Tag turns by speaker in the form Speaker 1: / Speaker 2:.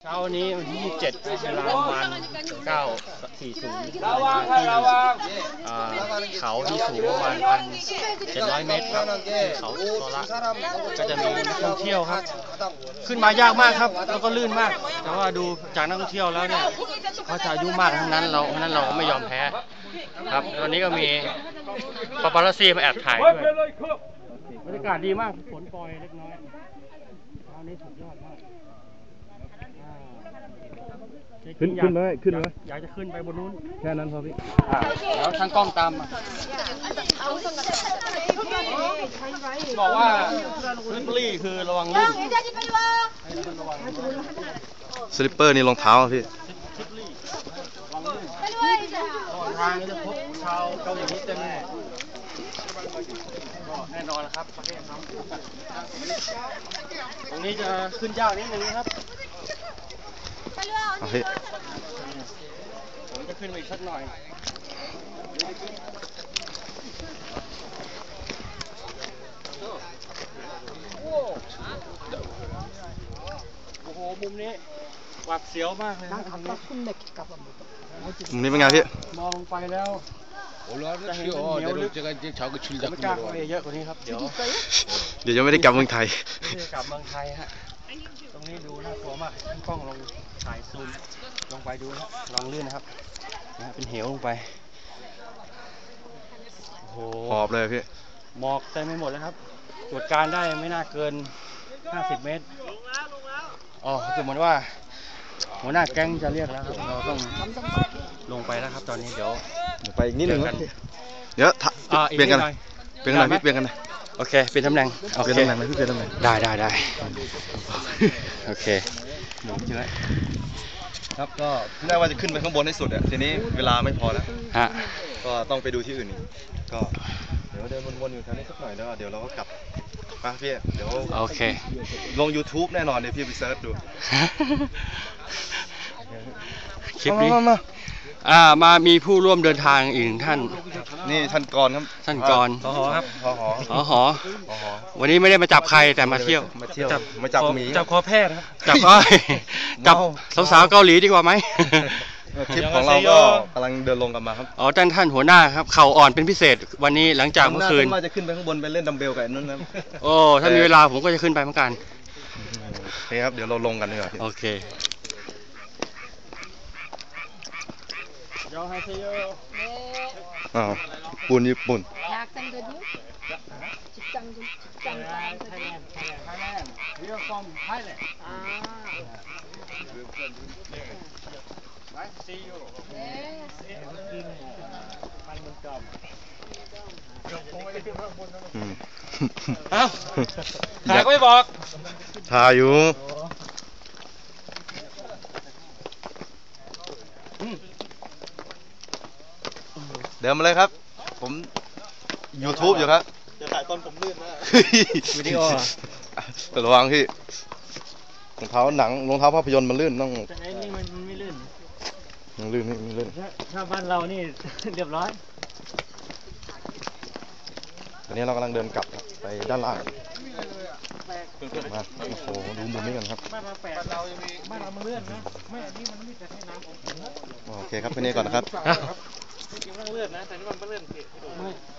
Speaker 1: ช้าวันนี้วันที่27เวลาประมาณ9:40
Speaker 2: ระวัง
Speaker 1: เขาที่สูงประมาณ 1,700 เมตรครับเขาโซละก็จะมีนักท่องเที่ยวครับขึ้นมายากมากครับแล้วก็ลื่นมากแต่ว่าดูจากนักท่องเที่ยวแล้วเนี่ยเขาจะอายุมากทั้งนั้นเราไม่ยอมแพ้ครับวันนี้ก็มีปาปารัสซี่มาแอบถ่ายด้วยบรรยากาศดีมากฝนปล่อยเล็กน้อยเช้านี้สุดยอดมาก
Speaker 3: ขึ้นเลย
Speaker 1: อยากจะขึ้นไปบนนู้น
Speaker 3: แค่นั้นพอพี่
Speaker 1: แล้วทางกล้องตามบอกว่าสลิปเปอรี่คือระวังลื่น
Speaker 3: สลิปเปอร์นี่รองเท้าพี่
Speaker 1: ระวังทางจะพบชาวเกาหลีเต็มเลยแน่นอนนะครับประเทศเขาตรงนี้จะขึ้นยากนิดนึงนะครับผมจะขึ้นไปอีกสักหน่อยโอ้โหมุมนี้หวาดเสียวมากเลยนะมุม
Speaker 3: นี้เป็นไงพี่
Speaker 1: มองไปแล้วจะเห็นเหนียวลึกไม่กล้าเข้าไปเยอะกว่านี้ครับเดี๋ยว
Speaker 3: ยังไม่ได้กลับเมืองไทย
Speaker 1: ไม่ได้กลับเมืองไทยฮะตรงนี้ดูน่ากลัวมากกล้องลงถ่ายซูมลงไปดูนะลองลื่นนะครับเป็นเหวลงไปโอ้โห
Speaker 3: หอบเลยพี่
Speaker 1: หมอกเต็มไปหมดแล้วครับตรวจการได้ไม่น่าเกิน50 เมตรอ๋อคือเหมือนว่าหัวหน้าแก๊งจะเรียกแล้วครับเราต้องลงไปแล้วครับตอนนี้เดี๋ยว
Speaker 3: ไปอีกนิดนึงเดี๋ยวเปลี่ยนกันพี่เปลี่ยนกันนะ
Speaker 1: โอเคเปลี่ยนตำแหน่ง
Speaker 3: เปลี่ยนตำแหน่งไหมพี่เปลี่ยนตำแหน่ง
Speaker 1: ได้โอเคหมุนใช่ไหม
Speaker 3: ครับก็ที่แรกว่าจะขึ้นไปข้างบนให้สุดอ่ะทีนี้เวลาไม่พอแล้ว
Speaker 1: ฮะ
Speaker 3: ก็ต้องไปดูที่อื่นอีกก็เดี๋ยวเดินวนๆอยู่แถวนี้สักหน่อยแล้วเดี๋ยวเราก็กลับมาพี่เดี๋ยว
Speaker 1: โอเค
Speaker 3: ลง YouTube แน่นอนเดี๋ยวพี่ไปเซิร์ชดู
Speaker 1: คลิปนี้มามีผู้ร่วมเดินทางอีกท่าน
Speaker 3: นี่ท่านกรครับ
Speaker 1: ท่านกร
Speaker 3: ครับ
Speaker 1: หอวันนี้ไม่ได้มาจับใครแต่มาเที่ยว
Speaker 3: มาจับหมี
Speaker 1: จับคอแพทย์จับสาวๆเกาหลีดีกว่าไหม
Speaker 3: คลิปของเราก็กำลังเดินลงกันมาครับ
Speaker 1: อ๋อท่านหัวหน้าครับเข่าอ่อนเป็นพิเศษวันนี้หลังจากเมื่อคืน
Speaker 3: ว่าจะขึ้นไปข้างบนไปเล่นดัมเบลกับนั่นนะ
Speaker 1: โอ้ถ้ามีเวลาผมก็จะขึ้นไปเหมือนกัน
Speaker 3: โอเคครับเดี๋ยวเราลงกันดีกว่า
Speaker 1: โอเค
Speaker 3: ปูนญี่ปุ่น
Speaker 1: ถ่ายก็ไม่บอก
Speaker 3: ถ่ายอยู่เดินมาเลยครับผม YouTube อยู่ครับ
Speaker 1: จะถ่ายตอนผมลื่นนะวิดีโอ
Speaker 3: แต่ระวังพี่รองเท้าหนังรองเท้าภาพยนตร์มันลื่นต้อง
Speaker 1: แต่ไอ้นี่มันไม่ลื่น
Speaker 3: มันลื่นนี่ลื่น
Speaker 1: ถ้าบ้านเรานี่เรียบร้อย
Speaker 3: ตอนนี้เรากำลังเดินกลับไปด้านล่างมาโอ้โหดูมุมนี้กันครับ
Speaker 1: บ้านเรามันเลื่อนนะไม่อันนี้มันไม่จะให้น้ำผม
Speaker 3: โอเคครับแค่นี้ก่อนนะครับ
Speaker 1: จริงๆมันเลื่อนนะแต่นี่มันไม่เลื่อน